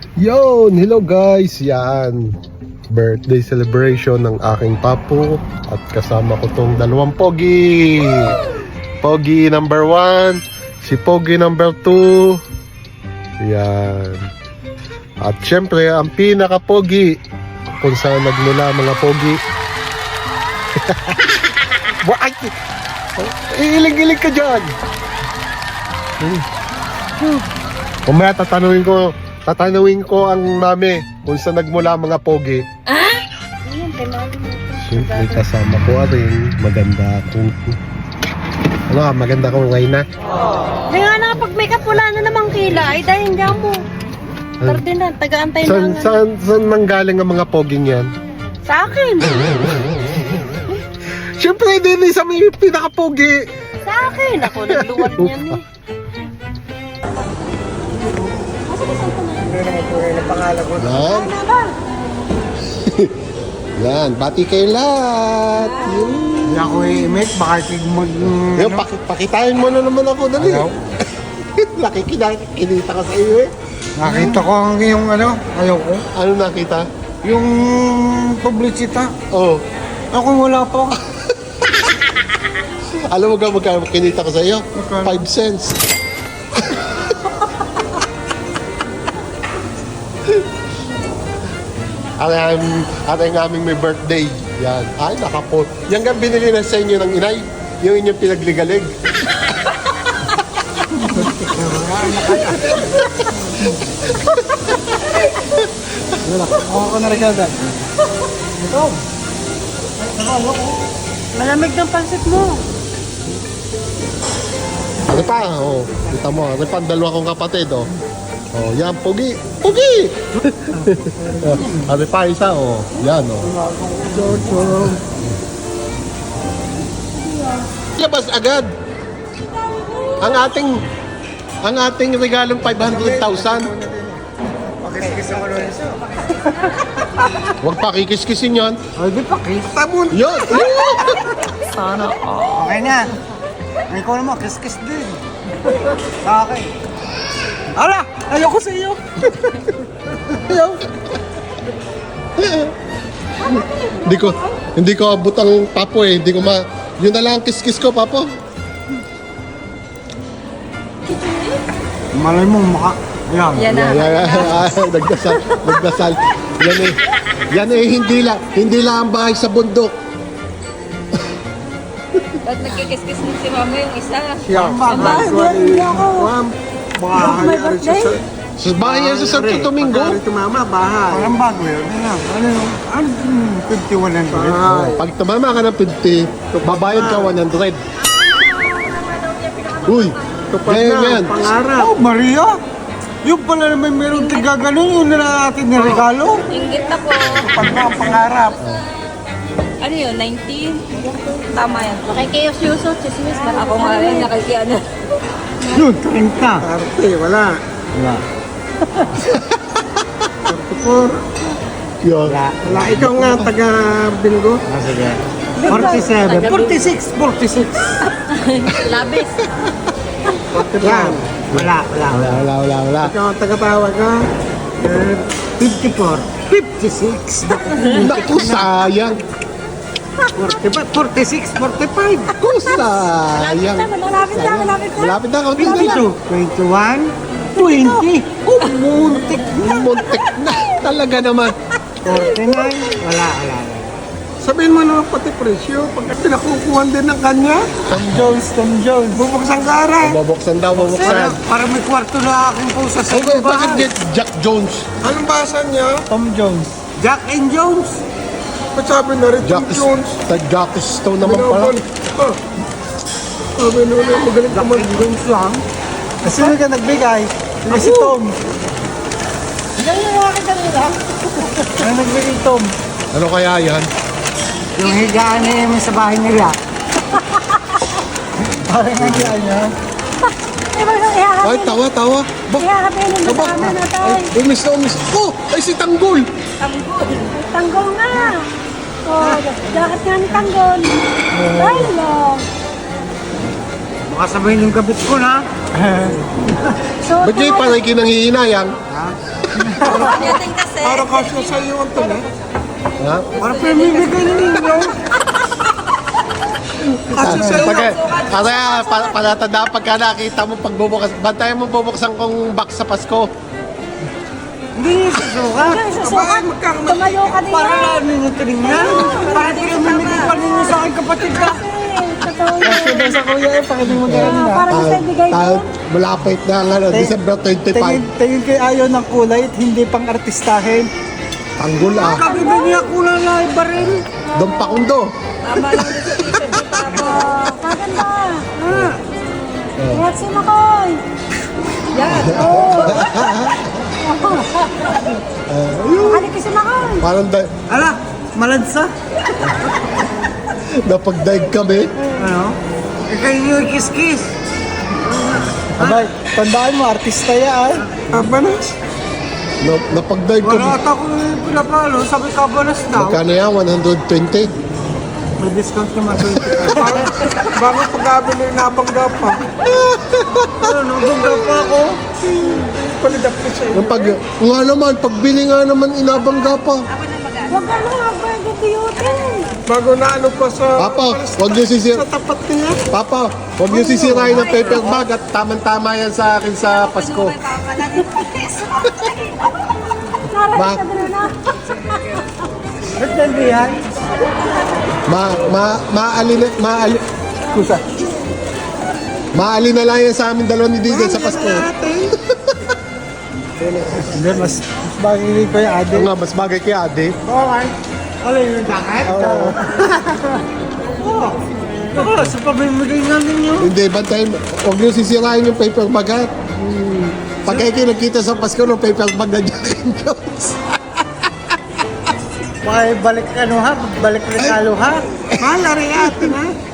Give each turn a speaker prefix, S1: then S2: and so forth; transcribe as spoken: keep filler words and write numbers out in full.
S1: Yon, hello guys, yan. Birthday celebration ng aking papo at kasama ko tong dalawang pogi. Pogi number one, si Pogi number two. Yan. At syempre, ang pinaka-pogi kung saan nagmula mga pogi. Ay, iilig-ilig ka dyan. Kumaya tatanungin ko Tatanungin ko ang mami kung saan nagmula mga pogi.
S2: Ah?
S1: Siyempre kasama ko rin. Maganda akong... Ano, maganda akong ngayon na.
S2: Hindi nga na, pag may kapula na namang kilay, dahil hindi mo. Tarde na, taga-antay
S1: Saan,
S2: na.
S1: saan, saan nanggaling ang mga poging yan?
S2: Sa akin.
S1: Siyempre din sa may pinaka-pogi.
S2: Sa akin. Ako nagluwag niyan eh.
S1: Yan. Yan, bati kayo lahat. Yun.
S3: Hindi ako i-emit, baka mag...
S1: Yan, paki pakitain mo na naman ako, dali.
S3: Ayaw.
S1: Nakikinita ka sa iyo eh.
S3: Nakita ko ang yung ano, ayaw ko.
S1: Ano nakita?
S3: Yung publicita.
S1: Oh.
S3: Ako wala pa.
S1: Alam mo ka magkano kinita ko sa iyo?
S3: Magkano?
S1: five cents. Ang ang ang aming may birthday. Yan. Ay, nakapo. Yan nga binili na sa inyo ng inay. Yung inyong pinagligalig.
S3: Ako na rin agad. Ito.
S2: Malamig ng pansit mo.
S1: Ano pa? Oh, kita mo. Ano pa ang dalawa kong kapatid, oh. Oh, yan, pogi. Pogi! Ano pa isa, oh. Yan, oh. Labas agad. Ang ating ang ating regalong five hundred thousand.
S3: Pakis-kis ako nun.
S1: Huwag pakikis-kisin yon.
S3: Ay, di pakis.
S1: Tamon! Yun!
S3: Sana. Okay na. Ay, ikaw naman, kiss-kiss din. Sa akin. Ala! Ayoko sa iyo!
S1: Ayaw. Hindi ko hindi ko abot ang papo eh. Hindi ko ma yun na lang ang kiss-kiss ko, papo.
S3: Malay mo, maka... Ayan.
S2: Yan na.
S1: Yan, yan, yan. Nagdasal, nagdasal. Yan eh. Yan eh, hindi lang, hindi lang ang bahay sa bundok.
S2: Ba't nagkikis-kis din si mama yung isa?
S3: Siya.
S2: Aba, hindi ako.
S3: Ma'am. Bahay.
S1: Sa bahay yan sa Santo Domingo.
S3: Tumama, bahay. Parang bago yun. Ano yun? Ano yun? Ano yun? fifty-one hundred.
S1: Pag tumama ka ng fifty, babayad ka one hundred. Uy, ganyan yan.
S3: Pangarap. Oh, Maria! Yung pala naman meron tiga ganun, yun na natin na regalo.
S2: Inggit ako.
S3: Pag na pangarap.
S2: Ano yun, nineteen? Tama yan. Nakikiyos-yuso, chismis. Ako nga rin, nakikiano.
S3: Yun, treinta. Arte, wala. Wala. forty-four.
S1: Yun.
S3: Wala. Ikaw nga, taga-bingo. Ah, sige. forty-seven. forty-six. forty-six.
S2: Labis.
S3: Yan. Wala, wala,
S1: Wala, wala, wala, wala.
S3: Ikaw ang taga-tawag ka. Eh, fifty-four. fifty-six.
S1: Naku, sayang.
S3: forty-five, forty-six, forty-five.
S1: Naku, sayang.
S2: Malapit na, malapit na.
S1: Malapit na, kaunti na lang.
S3: twenty-two, twenty-one, twenty.
S1: Oh, muntik na. Muntik na. Talaga naman.
S3: forty-nine. Wala, wala. Sabihin mo naman pati presyo. Pagka pinakukuhan din ng kanya. Tom Jones, Tom Jones. Bubuksan ka rin.
S1: Bubuksan daw,
S3: Para,
S1: bubuksan.
S3: para may kwarto na aking pusa sa
S1: Okay,
S3: iba.
S1: bakit get Jack Jones?
S3: Anong basa niya? Tom Jones. Jack and Jones. Ba't sabi na rin
S1: Jack,
S3: Tom Jones?
S1: sa Jack Stone naman pala.
S3: Ah. Sabi na rin, magaling ka mag Jones lang. Sino ka nagbigay? Hindi si Tom. Hindi yung akin kanina. Ano nagbigay Tom?
S1: Ano kaya yan?
S3: Yung higaan niya yung sa bahay nila. Parang ang higaan niya.
S1: Ay, tawa, tawa. Ba?
S2: Iharapin yung
S1: Aba,
S2: kasama na tayo.
S1: ay, umis na umis. Oh, ay si Tanggol.
S2: Tanggol. Tanggol nga. Oh, jacket nga ni Tanggol. Ay, lang.
S3: Baka sabihin yung gabit ko na.
S2: So,
S1: Ba't kayo panay kinanghihinayang?
S3: Ha?
S2: Yating kasi.
S3: Para kasya sa iyo ang tuloy.
S1: Ha?
S3: Para pamimigay ninyo. Kasya sa iyo.
S1: Pag, kaya pa, palatandaan pagka nakita mo pagbubukas, bantayan mo bubuksan kong box sa Pasko.
S3: Hindi niyo susuka.
S4: Hindi susuka.
S3: Aba, magkakamali.
S4: Tumayo ka din
S3: Para
S4: yan.
S3: lang ninyo tinignan. Para pinamimigay pa ninyo sa akin kapatid ka.
S4: Totoo yan.
S3: Kasi daw sa kuya eh, pakinig mo gano'n na.
S4: Para sa bigay
S1: Ta-
S4: mo.
S1: malapit na ang ano, December
S3: Tingin,
S1: twenty-five.
S3: tingin kay ayaw ng kulay at hindi pang artistahin.
S1: Tanggol ah.
S3: Kabibig niya kulay na ibaril.
S1: Don Pakundo.
S2: Tama lang din sa t-shirt ni Papa.
S4: Oh, maganda.
S3: Ah,
S4: Ingat si Makoy.
S2: Yan.
S4: Halika si Makoy.
S1: Parang da-
S3: ala, malansa.
S1: napag-dive kami.
S3: Ano? Ikay niyo kiss-kiss. Abay, tandaan mo, artista yan. Kabanas?
S1: Na, napag-dive
S3: Wala
S1: kami.
S3: ata ko pinapalo, sabi kabanas daw.
S1: Magkano yan? one hundred twenty?
S3: May discount naman twenty. Bago, bago pag-abili na bangga pa. Ano, nabangga pa ako. Palidap ko sa'yo.
S1: Yung pag, nga naman, pagbili nga naman, inabangga pa.
S4: Huwag ka na, huwag beauty.
S3: Bago na ano pa sa...
S1: Papa, huwag niyo sisir...
S3: Sa tapat niya.
S1: Papa, huwag niyo sisirain ng paper bag at tamang-tama yan sa akin sa Pasko.
S4: Narating
S1: Ba-
S4: ka din na.
S3: Ba't nandiyan?
S1: Ma, ma, maali na, maali, kusa. Maali na lang yan sa amin dalawa ni Digan sa Pasko.
S3: Hindi, mas, mas bagay ko yung ade.
S1: Oo nga, mas bagay kay Ade.
S3: Okay. Ano yung jacket? Oo. Oo. Ako, sa pamimigay nga ninyo.
S1: Hindi, bantayin, huwag niyo sisirain yung paper bag ha. Hmm. Pag kayo kayo nagkita sa Pasko ng paper bag na Jack and Jones.
S3: May balik ano ha, balik regalo ha. Mahal na rin atin ha.